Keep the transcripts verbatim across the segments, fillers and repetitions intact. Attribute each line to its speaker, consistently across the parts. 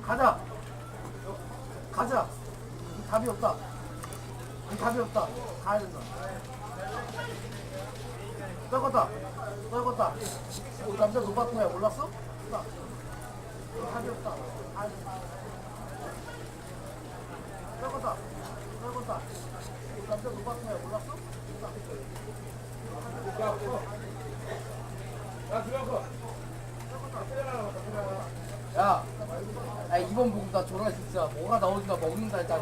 Speaker 1: 가자. 가자. 이 답이 없다. 이 답이 없다. 가야 된다. 떨궜다. 떨궜다. 우리 남자 노바꾼 거야. 몰랐어? 나. 이 답이 없다. 가야 된다. 떨궜다. 떨궜다. 우리 남자 노바꾼 거야. 몰랐어? 야, 야 이번 보고 나 졸라 진짜 뭐가 나오니까 먹는다 일단.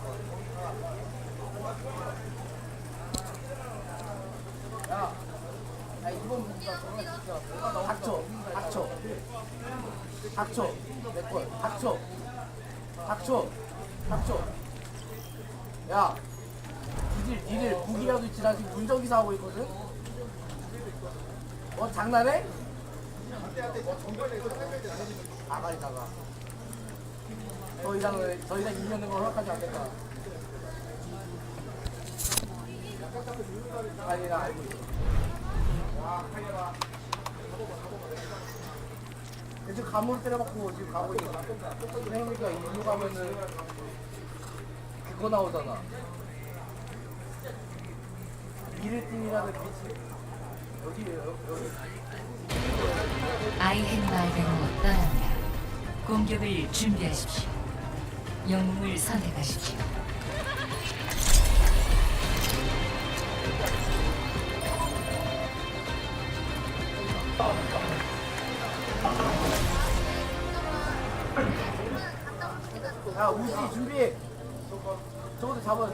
Speaker 1: 야, 야 이번 보고 나 졸라 진짜 뭐가 나오니까 닥쳐, 닥쳐, 닥쳐, 내 걸, 닥쳐, 닥쳐, 닥쳐. 야, 니들 니들 무기라도 있지 나 지금 운전기사 하고 있거든. 어 장난해? 아가리다가 더 이상은 더 이상 이기는 걸 허락하지 않겠다. 아니 나 알고 있어. 지금 감으로 때려박고 지금 가고 있어. 그러니까 일로 가면은 그거 나오잖아. 미르띵이라는 빛이 여기에요. 여기.
Speaker 2: 아이헨마을로 떠납니다. 공격을 준비하십시오. 영웅을 선택하십시오.
Speaker 1: 야 우지 준비. 저것도 잡아.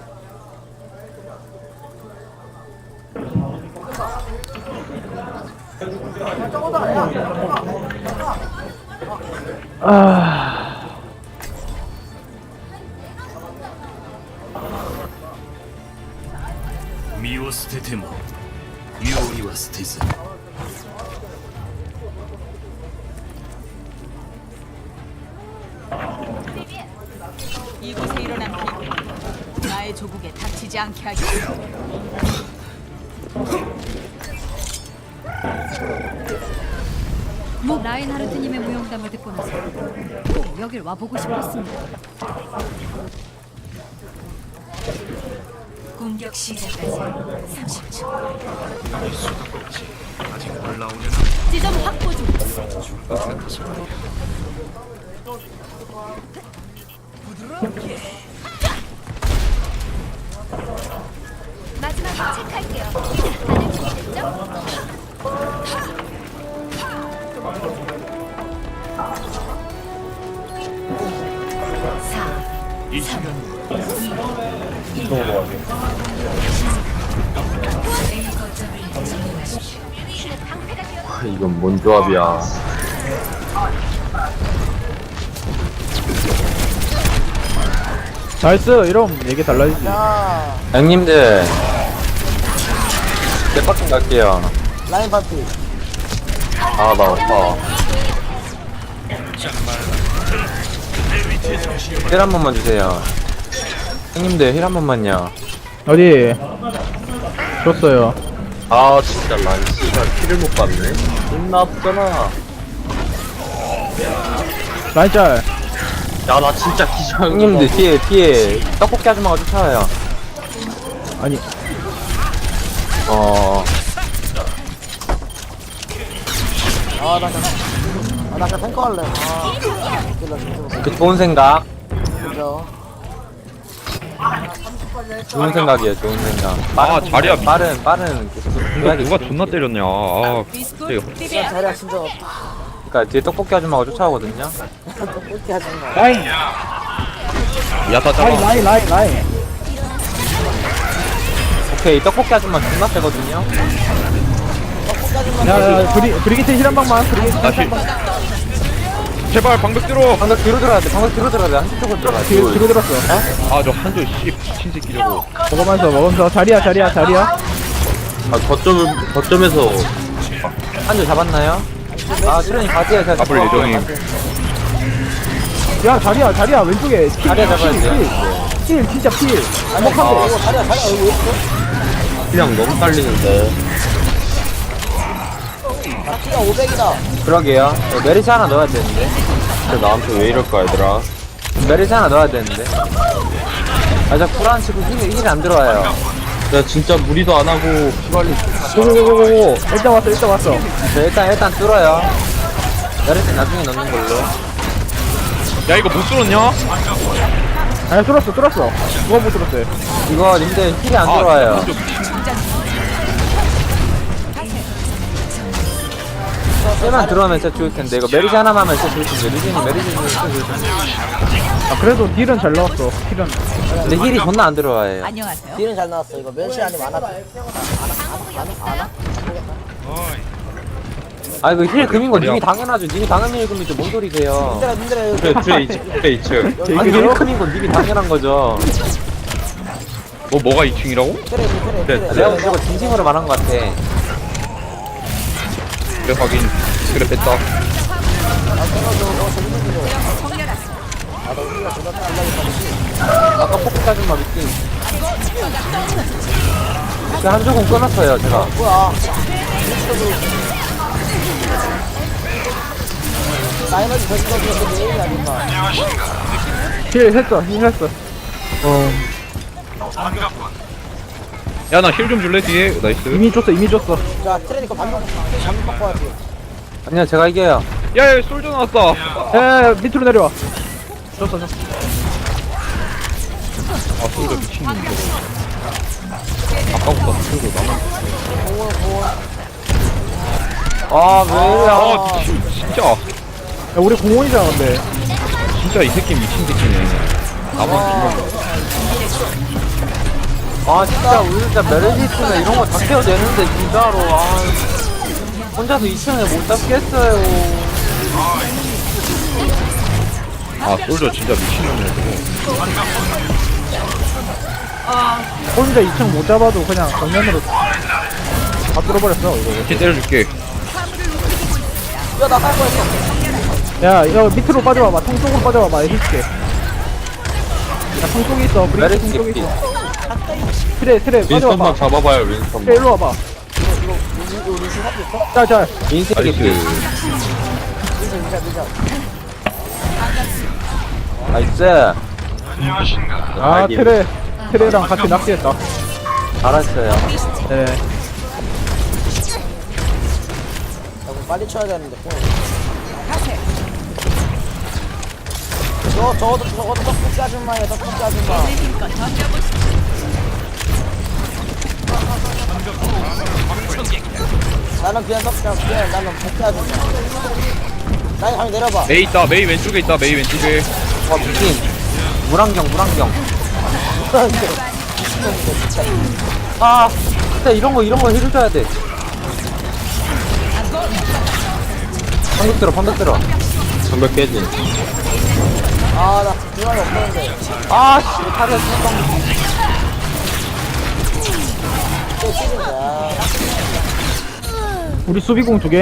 Speaker 1: 야 저거다. 야 저거다.
Speaker 3: 아,
Speaker 4: 身を捨てても料理は捨てず
Speaker 5: 이곳에 일어난 비극 나의 조국에 닥치지 않게 하겠어.
Speaker 6: 뭐 라인하르트님의 무용담을 듣고 나서 꼭 여길 와보고 싶었습니다.
Speaker 2: 공격 시작까지 삼십 초.
Speaker 4: 아직 올라오려나?
Speaker 6: 지점 확보 중. 마지막으로 체크할게요. 다들 준비됐죠?
Speaker 2: 사,
Speaker 4: 이 시간
Speaker 2: A 거점을 점령하십시오.
Speaker 3: 이건 뭔 조합이야.
Speaker 7: 나이스. 이러면 얘기 달라지지.
Speaker 1: 야
Speaker 3: 형님들, 대박좀 갈게요.
Speaker 1: 라인 파티.
Speaker 3: 아, 나 아파. 힐 한 번만 주세요. 형님들, 힐 한 번만요.
Speaker 7: 어디? 줬어요.
Speaker 3: 아, 진짜 난 씨발 피를 못 봤네. 존나 아프잖아.
Speaker 7: 라인짤.
Speaker 3: 야, 나 진짜 기절. 형님들, 뒤에, 뒤에 떡볶이 아줌마가 쫓아와요.
Speaker 7: 아니,
Speaker 3: 어,
Speaker 1: 아나 그냥 아나 그냥 탱커 할래. 아 웃길라 진짜.
Speaker 3: 그 좋은 생각.
Speaker 1: 그죠.
Speaker 3: 좋은 생각이에요, 좋은 생각.
Speaker 8: 아, 자리야.
Speaker 3: 빠른, 빠른, 계속
Speaker 8: 누가,
Speaker 3: 해야겠어.
Speaker 8: 누가 존나 때렸냐. 아,
Speaker 5: 비스쿨
Speaker 1: 진짜 자리야 진짜 없다.
Speaker 3: 그니까 뒤에 떡볶이 아줌마가 쫓아오거든요.
Speaker 1: 그렇게 하지 마.
Speaker 7: 라인.
Speaker 8: 야타
Speaker 7: 라인,
Speaker 8: 잡아.
Speaker 7: 라인, 라인, 라인.
Speaker 3: 오케이, 떡볶이 아줌마 존나 세거든요.
Speaker 7: 야, 야, 브리, 브리기트 힐한 방만. 브리기트 힐한
Speaker 8: 다시.
Speaker 7: 방만.
Speaker 8: 제발, 방벽 들어.
Speaker 3: 방금 뒤로 들어야 돼, 방금 뒤로 들어야 돼. 한쪽으로 들어가.
Speaker 7: 뒤로, 뒤로 들었어.
Speaker 8: 아, 저 한조 씨, 미친 새끼 저거.
Speaker 7: 먹으면서, 먹으면서. 자리야, 자리야, 자리야.
Speaker 3: 아, 거점, 거점에서. 한줄 잡았나요? 아, 수련이 바지에 제가
Speaker 8: 앞을 예정임.
Speaker 7: 야, 자리야, 자리야. 왼쪽에. 킬,
Speaker 3: 자리야 잡아야
Speaker 7: 킬,
Speaker 3: 돼요.
Speaker 7: 킬, 킬, 진짜 킬. 안목하고.
Speaker 1: 이거 자리야 자리야 여기 있어.
Speaker 3: 그냥 너무 딸리는데.
Speaker 1: 나 키가 오백이다.
Speaker 3: 그러게요. 네, 메리시 하나 넣어야 되는데. 진짜 나한테 왜 이럴까 얘들아. 메리스 하나 넣어야 되는데. 아저 불안 치고 힐이 힐이 안 들어와요. 야 진짜 무리도 안 하고 피관리.
Speaker 7: 고고고고고. 일단 왔어 일단 왔어.
Speaker 3: 자, 일단 일단 뚫어요. 메리스 나중에 넣는 걸로.
Speaker 8: 야 이거 못 뚫었냐?
Speaker 7: 아니 뚫었어 뚫었어. 누가 못 뚫었어요?
Speaker 3: 이거 님들 힐이 안 들어와요.
Speaker 8: 좀
Speaker 3: 힐만 들어오면 진짜 좋을 텐데 이거 메리스 하나만 하면 진짜 좋을 텐데 리진이 메리스 진짜 좋을 텐데.
Speaker 7: 아 그래도 딜은 잘 나왔어. 딜은.
Speaker 3: 근데 힐이 존나 안 들어와요.
Speaker 5: 안녕하세요.
Speaker 1: 딜은 잘 나왔어. 이거 멸시 아니면 안 하다. 안 하?
Speaker 3: 아 이거 힐 금인 거 님이 당연하죠. 님이 당연히 힐 금이죠. 뭔 소리세요?
Speaker 1: 님들아 님들아 여기
Speaker 3: 그래 트레 이츠 트레 이츠.
Speaker 7: 제
Speaker 3: 아니
Speaker 7: 이름이요?
Speaker 3: 힐 금인 건 님이 당연한 거죠.
Speaker 8: 뭐 뭐가 이 층이라고?
Speaker 1: 트레 트레
Speaker 8: 그래,
Speaker 1: 트레.
Speaker 3: 내가 무조건 진심으로 말한 것 같아.
Speaker 8: 그래 확인. 그래 뺐다.
Speaker 3: 아까 포크 짜준 마 미팅. 제가 한 조금 끊었어요 제가.
Speaker 1: 뭐야? 나이너지 저기가 그 메인이 아닌가?
Speaker 7: 힐 했어 힐 했어.
Speaker 8: 야 나 힐 좀 줄래 뒤에? 나이스.
Speaker 7: 이미 줬어 이미 줬어.
Speaker 1: 자 트레니까 반복 반복 바꿔야지.
Speaker 3: 아니요 제가 이겨요.
Speaker 8: 야야 솔져 나왔다.
Speaker 7: 에 밑으로 내려와. 줬어 줬어.
Speaker 8: 아 솔져 미친놈 저거. 아까부터 솔져 나만.
Speaker 3: 아왜 이래?
Speaker 8: 아 미친 진짜.
Speaker 7: 야 우리 공원이잖아 근데.
Speaker 8: 진짜 이 새끼 미친 새끼네. 나만 죽는
Speaker 3: 아 진짜 우리 진짜 메르시스나 이런 거 다 케어되는데 진짜로 아 혼자서 이 층에 못 잡겠어요.
Speaker 8: 아 솔져 진짜 미친놈이네 저거.
Speaker 7: 혼자 이 층 못 잡아도 그냥 정면으로 다 뚫어버렸어 이거.
Speaker 8: 이렇게 때려줄게.
Speaker 1: 야나 할 거였어.
Speaker 7: 야 이거 밑으로 빠져봐봐. 통 쪽으로 빠져봐봐. 해줄게. 야통 쪽에 있어. 브리스
Speaker 3: 메르시
Speaker 7: 통 쪽에
Speaker 3: 개피.
Speaker 7: 있어. 트레 트레
Speaker 3: 윈스턴만
Speaker 7: 빠져봐봐.
Speaker 3: 잡아봐요
Speaker 7: 트레
Speaker 3: 윈스턴만.
Speaker 7: 일로 와봐. 자자.
Speaker 3: 윈스턴 개피.
Speaker 8: 나이스.
Speaker 1: 밀자 밀자.
Speaker 3: 나이스.
Speaker 7: 아 트레 트레랑 같이 낚시했다.
Speaker 3: 잘했어요.
Speaker 7: 네.
Speaker 1: 빨리 쳐야 되는데. 저 저것도 저것도 떡볶이 아줌마예요. 떡볶이 아줌마. 나는 그냥 떡볶이 그냥 나는 볶기 아줌마. 나이 가면 내려봐.
Speaker 8: 메이 있다. 메이 왼쪽에 있다. 메이 왼쪽에.
Speaker 3: 와 미친. 물안경 물안경. 아 진짜 이런 거 이런 거 해줘야 돼. 방벽 들어 방벽 들어. 방벽 깨지.
Speaker 1: 아나 중간에 없는데.
Speaker 3: 아씨 타리아 수방.
Speaker 1: 또 찌른다.
Speaker 7: 우리 수비공 두 개.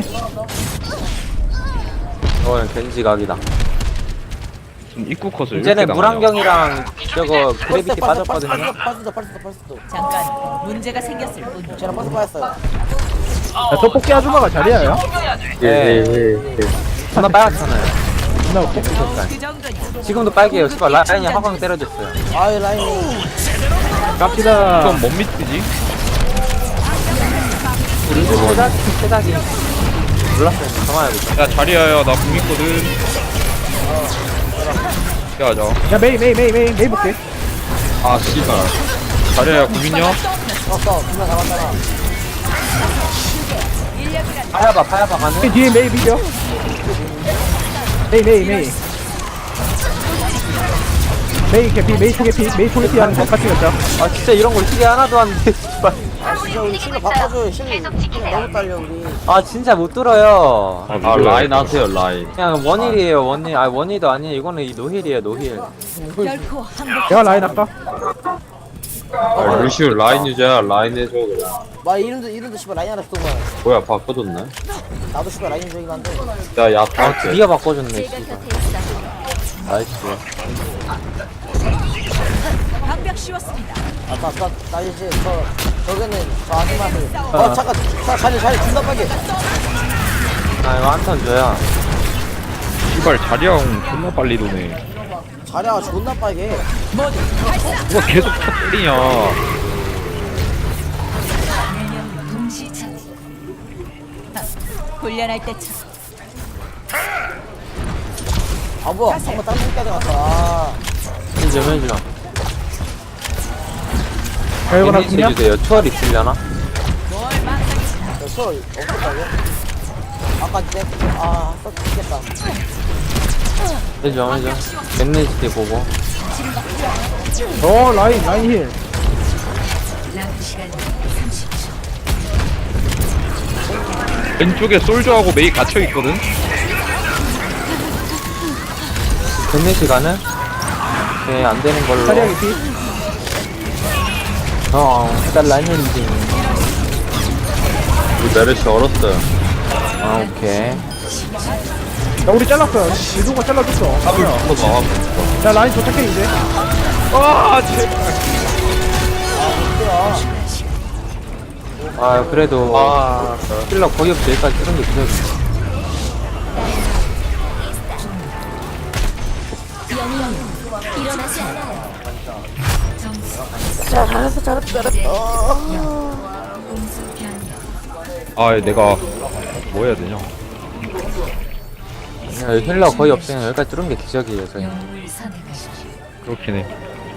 Speaker 3: 어 겐지 각이다.
Speaker 8: 좀 입구 컷을
Speaker 3: 이제는
Speaker 8: 이렇게
Speaker 3: 물안경이랑 저거 그래비티 빠졌거든요.
Speaker 1: 빠졌어 빠졌어 빠졌어.
Speaker 5: 잠깐 문제가 생겼을 뿐.
Speaker 1: 쟤는 빠졌 빠졌어요.
Speaker 7: 야 떡볶이 아줌마가 자리야요?
Speaker 3: 예. 하나 빨갛잖아요.
Speaker 7: 나 떡볶이
Speaker 5: 그 정도냐?
Speaker 3: 지금도 빨개요. 씨발 라인이 화광 때려줬어요.
Speaker 1: 아이 라인이.
Speaker 7: 갑시다.
Speaker 8: 이건 뭔 미트지?
Speaker 3: 우리 집 세작 세작이 몰랐어요. 가만히
Speaker 8: 야 자리야야 나 궁 있거든. 야자.
Speaker 7: 야 메이 메이 메이 메이 메이 볼게.
Speaker 8: 아 씨발. 자리야야 궁 있냐?
Speaker 1: 떴어. 두명 잡았잖아.
Speaker 3: 파야바 파야바 가는.
Speaker 7: 메이 뒤에 메이 비벼. 메이 메이 메이. 메이 개피 메이 초개피 메이 초개피 하는 거 같이 갔자.
Speaker 3: 아 진짜 이런 걸 시계 하나도 안 돼. 씨발.
Speaker 1: 아 진짜 우리 실력 바꿔줘요. 실력 너무 딸려 우리.
Speaker 3: 아 진짜 못 들어요.
Speaker 8: 아 라인 하세요 라인.
Speaker 3: 그냥 원힐이에요 원힐. 아 원힐도 아니에요. 이거는 이 노힐이에요 노힐.
Speaker 5: 결코 항복.
Speaker 7: 내가 라인 할까?
Speaker 3: 아 루시우 라인 유저야 라인 해줘 그냥.
Speaker 1: 마 이름도 이름도 씨발 라인 하나 쓰던 거야.
Speaker 3: 뭐야 바꿔줬네.
Speaker 1: 나도 씨발 라인 적이긴 한데.
Speaker 3: 야 야타. 네가 바꿔줬네. 씨발. 나이스.
Speaker 5: 방벽 씌웠습니다.
Speaker 1: 아나나 이제 저 저기는 저 아줌마들. 어 잠깐 자 자리 자리 준다 빨리.
Speaker 3: 아 이거 한턴 줘야.
Speaker 8: 씨발 자리형 존나 빨리 도네.
Speaker 1: 자리가 존나 빨개.
Speaker 8: 누가 계속 쳐 때리냐.
Speaker 2: 네명 동시 처치.
Speaker 5: 훈련할 때처럼.
Speaker 1: 아 뭐야 방금 딴 새끼한테 갔다. 아,
Speaker 3: 힐좀 해줘.
Speaker 7: 별거나
Speaker 3: 데미지
Speaker 7: 그냥
Speaker 3: 해주세요. 초월 있으려나?
Speaker 1: 저 서로 없었다고? 아까 내 아, 써 죽겠다.
Speaker 3: 해줘 해줘. 겟네시티 보고.
Speaker 7: 어 라인 라인 힐
Speaker 2: 남은 시간 삼십 초.
Speaker 8: 왼쪽에 솔저하고 메이 갇혀있거든?
Speaker 3: 겟네시 가는? 네 안되는 걸로.
Speaker 7: 자리하기 피
Speaker 3: 어 해달라는지. 우리 메르시 얼었어요. 아 오케이.
Speaker 7: 야 우리 잘랐어요 유도가 잘라줬어
Speaker 8: 합을
Speaker 7: 뭐야.
Speaker 8: 붙어서 나와.
Speaker 7: 야 라인 도착해 이제
Speaker 8: 아 제발.
Speaker 3: 아 그래도
Speaker 8: 아
Speaker 3: 힐러 거의 없이 여기까지 뜨는 게 기적이.
Speaker 2: 점수
Speaker 8: 아 내가 뭐 해야 되냐.
Speaker 3: 야, 힐러 거의 없으면 여기까지 뚫은 게 기적이에요 저희.
Speaker 2: 영웅을 선택하십시오.
Speaker 8: 그렇긴 해.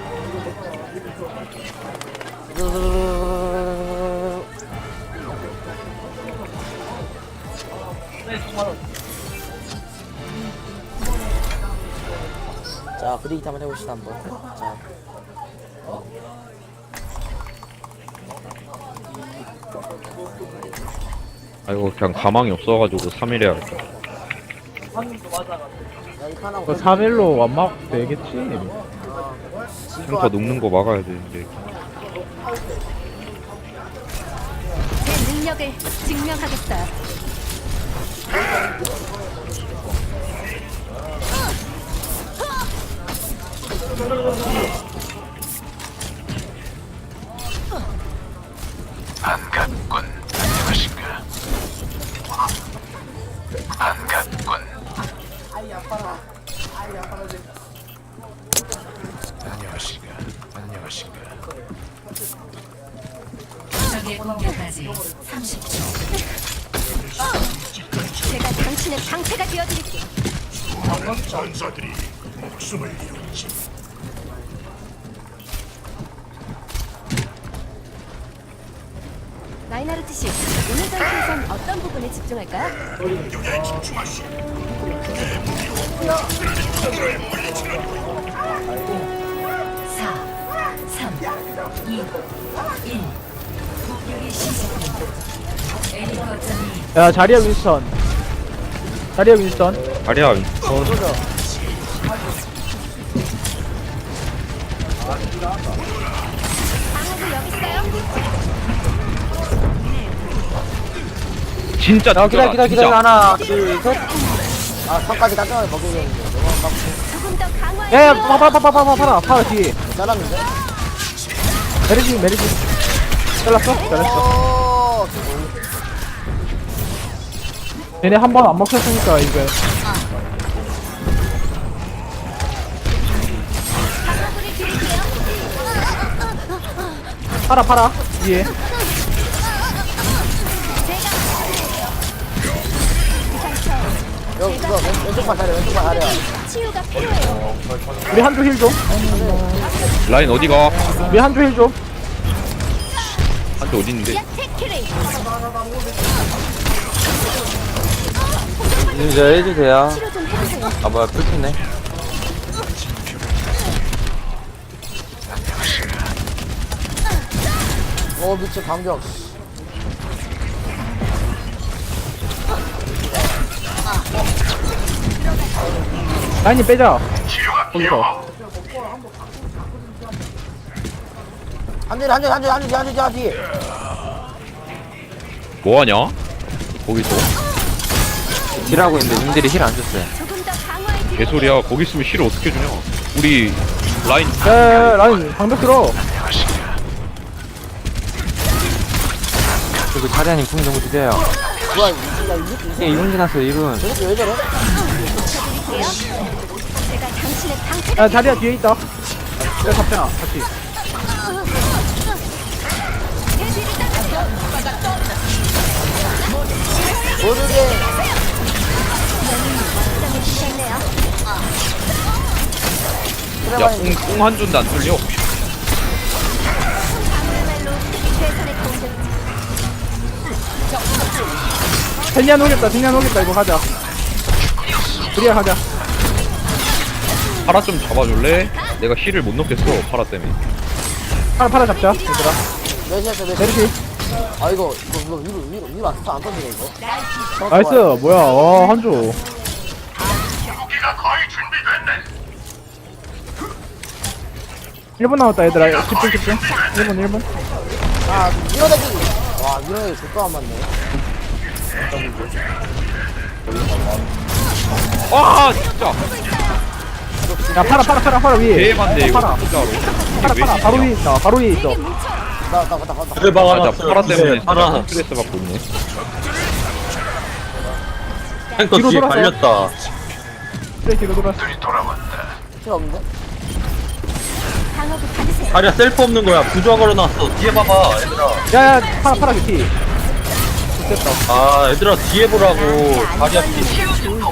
Speaker 1: 자 브레이크 한번 해봅시다 한번. 자.
Speaker 8: 아이고 그냥 가망이 없어가지고 삼 일 해야겠다.
Speaker 1: 여기 하나
Speaker 7: 그 삼 일로 완막 되겠지
Speaker 8: 탱커 녹는 거 막아야 되는데.
Speaker 6: 제 능력을 증명하겠어요.
Speaker 4: 반갑군. 안녕하신가? 반갑군. 안녕하신가? 안녕하신가?
Speaker 2: 적의 공격까지 삼십 초.
Speaker 6: 제가 당신의 방패가 되어드릴게요.
Speaker 4: 전사들이 목숨을 잃었지.
Speaker 6: 라인하르트 씨, 오늘 전투에선 어떤 부분에 집중할까요?
Speaker 2: 사, 삼, 이, 일. 공격이 시작됩니다. A 거점이
Speaker 7: 야 자리야 윈스턴 자리야 윈스턴
Speaker 8: 자리야 윈스턴.
Speaker 6: 방어구 여기 있어요?
Speaker 8: 진짜
Speaker 3: 야 기다려 기다려 기다려.
Speaker 8: 진짜.
Speaker 3: 하나 둘셋.
Speaker 1: 아 선까지 깔끔하게 먹여줬는데 너무 아깝고
Speaker 6: 조금 더 강화해.
Speaker 7: 야야 파파파파파파 파라 파라 뒤에
Speaker 1: 잘랐는데?
Speaker 7: 메리지 메리지 잘랐어? 잘했어
Speaker 1: 오
Speaker 7: 얘네 한 번 안 먹혔으니까 이제
Speaker 6: 방어구를 드릴게요.
Speaker 7: 파라 파라 뒤에
Speaker 1: 여기 그거 왼- 왼쪽만 자려 왼쪽만 자려.
Speaker 6: 치유가 필요해요.
Speaker 7: 우리 한조 힐좀
Speaker 8: 라인 어디가?
Speaker 7: 우리 한조 힐좀
Speaker 8: 한대 어디 있는데?
Speaker 6: 테키리.
Speaker 3: 이제 해주세요.
Speaker 6: 치료 좀 해주세요.
Speaker 3: 아 뭐야 풀렸네.
Speaker 1: 오 미친 방벽.
Speaker 7: 라인이 빼자 거기서
Speaker 1: 한줄 한줄 한줄 한줄 한줄 한줄.
Speaker 8: 뭐하냐? 거기서?
Speaker 3: 딜하고 있는데 님들이 힐 안 줬어요.
Speaker 6: 조금 더 강화해 드릴게요.
Speaker 8: 개소리야. 거기 있으면 힐을 어떻게 주냐? 우리 라인
Speaker 7: 야야야 라인 방벽 들어
Speaker 3: 그리고 자리아님 궁 정도 주세요.
Speaker 1: 뭐야 이 새끼 이 새끼 이
Speaker 3: 이게
Speaker 1: 새끼
Speaker 3: 이 분 지났어요 이 분.
Speaker 1: 저 새끼 왜 저래?
Speaker 7: 야 자리야 뒤에 있다. 내가 잡잖아 같이.
Speaker 1: 모르게.
Speaker 8: 야, 공, 공한 줄도 안 뚫려.
Speaker 7: 젠야 녹였다 젠야 녹였다 이거 가자. 우리야 가자.
Speaker 8: 파라 좀 잡아줄래? 내가 힐을 못 넣겠어, 파라 때문에.
Speaker 7: 파라 파라 잡자 얘들아.
Speaker 1: 몇이었어 몇?
Speaker 7: 메르시.
Speaker 1: 아 이거 이거 이거 위로 위로 위로 안 안 던지네 이거.
Speaker 7: 나이스 뭐야 와 한조. 일 분 남았다 얘들아. 집중 집중. 일 분 일 분.
Speaker 1: 아 밀어내기. 와 밀어내기 좋도 안 맞네.
Speaker 8: 와, 진짜.
Speaker 7: 야 파라 파라 파라 파라 위에.
Speaker 8: 개반대, 이거.
Speaker 7: 파라
Speaker 8: 진짜로.
Speaker 7: 파라 파라 바로 위에 있다. 바로 위에 있어.
Speaker 1: 나나 나 나.
Speaker 3: 그래
Speaker 8: 아, 나
Speaker 3: 박아놨어.
Speaker 8: 파라 때문에
Speaker 3: 파라.
Speaker 8: 스트레스 받고 있네.
Speaker 3: 탱커
Speaker 7: 뒤로
Speaker 3: 뒤에
Speaker 7: 돌아서.
Speaker 3: 발렸다.
Speaker 7: 그래 뒤로 돌아.
Speaker 1: 필요 없는데?
Speaker 3: 다리야 셀프 없는 거야. 부조화 걸어놨어. 뒤에 봐봐 얘들아.
Speaker 7: 야야 파라 파라 피. 됐다.
Speaker 3: 아 얘들아 뒤에 보라고. 다리야 피.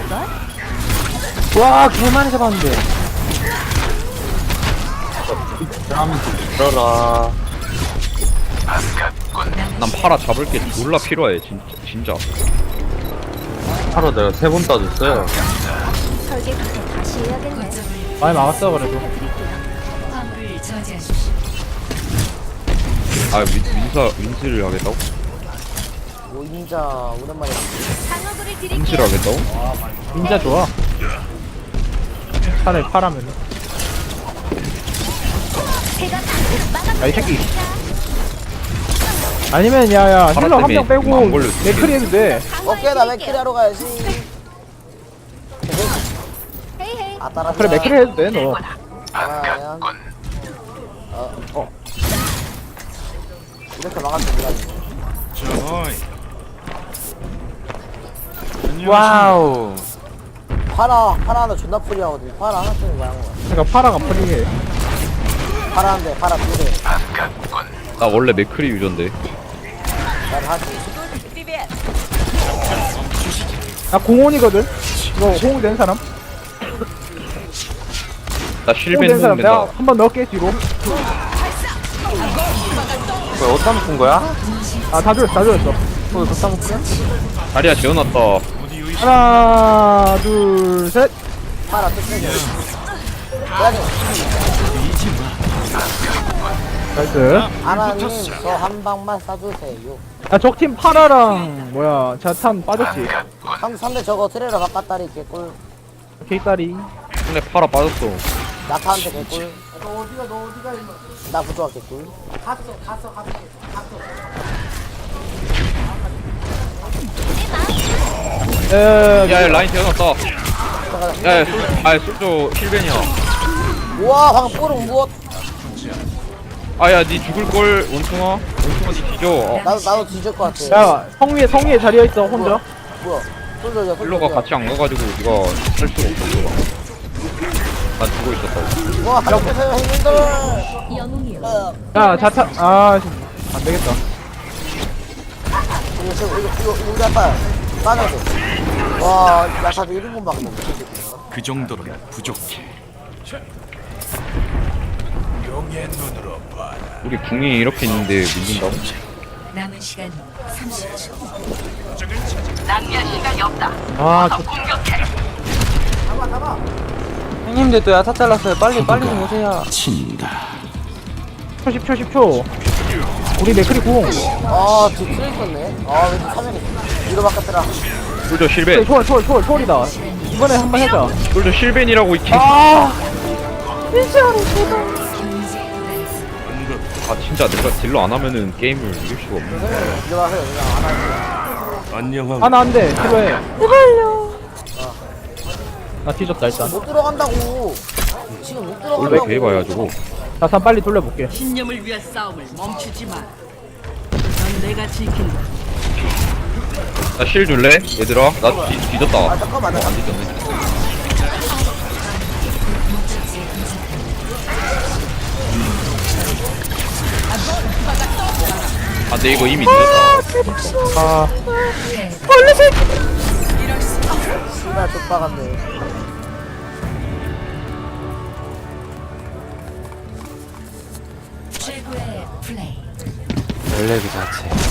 Speaker 7: 와 개많이 잡았는데.
Speaker 3: 그럼 들어라.
Speaker 8: 난 파라 잡을 게 졸라 필요해, 진짜. 진짜.
Speaker 3: 하루 내가 세 번 따졌어요.
Speaker 7: 많이 막았어 그래도.
Speaker 2: 화물을 저지하십시오.
Speaker 8: 아, 윈, 윈사, 윈스를 하겠다고?
Speaker 1: 오 인자 오랜만에.
Speaker 8: 윈스를 하겠다고?
Speaker 7: 진짜 좋아. 차라리 파라면. 야이 새끼. 아니면 야야
Speaker 8: 파라
Speaker 7: 힐러 한 명
Speaker 8: 때문에
Speaker 7: 빼고
Speaker 8: 안 걸렸지.
Speaker 7: 맥크리 해도 돼.
Speaker 1: 오케이 나 맥크리 하러 가야지. 아 따라.
Speaker 7: 그래 맥크리 해도 돼 너.
Speaker 1: 아 그냥. 어 어. 이렇게 막았지 몰랐네.
Speaker 3: 와우.
Speaker 1: 파라 파라 하나 존나 프리하거든. 파라 하나 쓰는 거야.
Speaker 7: 그러니까 파라가 프리해.
Speaker 1: 파라 한 대, 파라 두 대.
Speaker 8: 나 원래 맥크리 유저인데.
Speaker 1: 난 하지.
Speaker 7: 나 공원이거든. 이거 호응 된 사람?
Speaker 8: 나
Speaker 7: 호응
Speaker 8: 실벤
Speaker 7: 된 사람 내가
Speaker 8: 호응된다.
Speaker 7: 한 번 넣을게 뒤로.
Speaker 3: 뭐야 어디다 묶은 거야?
Speaker 7: 아 다 줬어 다 줬어.
Speaker 3: 또 어디다 묶은?
Speaker 8: 다리야 재워놨다.
Speaker 7: 하나 둘 셋.
Speaker 1: 파라 또 세게. 그래.
Speaker 7: 나이스.
Speaker 1: 아나님 저 한 방만 쏴주세요.
Speaker 7: 야 적팀 파라랑 뭐야 자탄 빠졌지.
Speaker 1: 상 상대 저거 트레이러 바깥다리 개꿀.
Speaker 7: 개이따리.
Speaker 8: 근데 파라 빠졌어.
Speaker 1: 나타한테 개꿀. 너 어디가 너 어디가 나 부조화 개꿀. 갔어 갔어 갔어 갔어.
Speaker 7: 에.
Speaker 8: 야, 야, 라인 재워놨다. 야, 야, 술, 아, 술조 실벤이야.
Speaker 1: 우와 방금 뽀록 무엇?
Speaker 8: 아, 야, 니 죽을걸, 원숭아. 원숭아, 니 뒤져. 어,
Speaker 1: 나도 나도 뒤질 것 같아.
Speaker 7: 야 성위에 성위에 자리에 있어 혼자.
Speaker 1: 뭐야? 솔저야
Speaker 8: 힐러가 같이 안 가가지고 니가 할 수가 없었어. 난 죽어 있었다고.
Speaker 1: 와 안녕하세요 형님들. 어,
Speaker 7: 야 자탄 아 안 되겠다.
Speaker 1: 이거 지금 이거 이거 이거 우리 아빠 빠져야 돼. 와 야사도 일 인분 밖에 못 먹겠네.
Speaker 4: 그 정도로는 부족해.
Speaker 8: 우리 궁이 이렇게 있는데 밀린다고?
Speaker 2: 남은 시간 삼십 초.
Speaker 7: 아 저.
Speaker 3: 형님들 또 야타 잘랐어요. 빨리 빨리 좀 오세요.
Speaker 4: 친다.
Speaker 7: 십 초 십 초. 우리 맥크리 공.
Speaker 1: 아 뒤에 트레이 있었네. 아 왠지 화면이 위로 바꿨더라.
Speaker 8: 솔저 실벤.
Speaker 7: 초월 초월 초월 초월이다. 이번에 한번 해자.
Speaker 8: 솔저 실벤이라고, 이 개.
Speaker 7: 아.
Speaker 8: 아, 진짜 내가 딜러 안 하면은 게임을 이길 수가 없네.
Speaker 1: 위로 와서 그냥 안 하지.
Speaker 4: 안녕하고.
Speaker 7: 하나 안 돼. 필요해. 제발요. 나 뒤졌다 일단.
Speaker 1: 못 들어간다고. 지금 못
Speaker 8: 원래
Speaker 1: 들어간다고.
Speaker 8: 개봐야 저거.
Speaker 7: 자탄 빨리 돌려볼게.
Speaker 5: 신념을 위한 싸움을 멈추지 마. 넌 내가 지킨다.
Speaker 8: 나 실 줄래? 얘들아, 나 뒤, 뒤졌다.
Speaker 1: 아 잠깐만 나
Speaker 8: 안 뒤졌네. 아 근데 이거 이미 늦었다.
Speaker 7: 아
Speaker 1: 씨발 족박한데.
Speaker 2: 최고의 플레이.
Speaker 3: 원래 그 자체.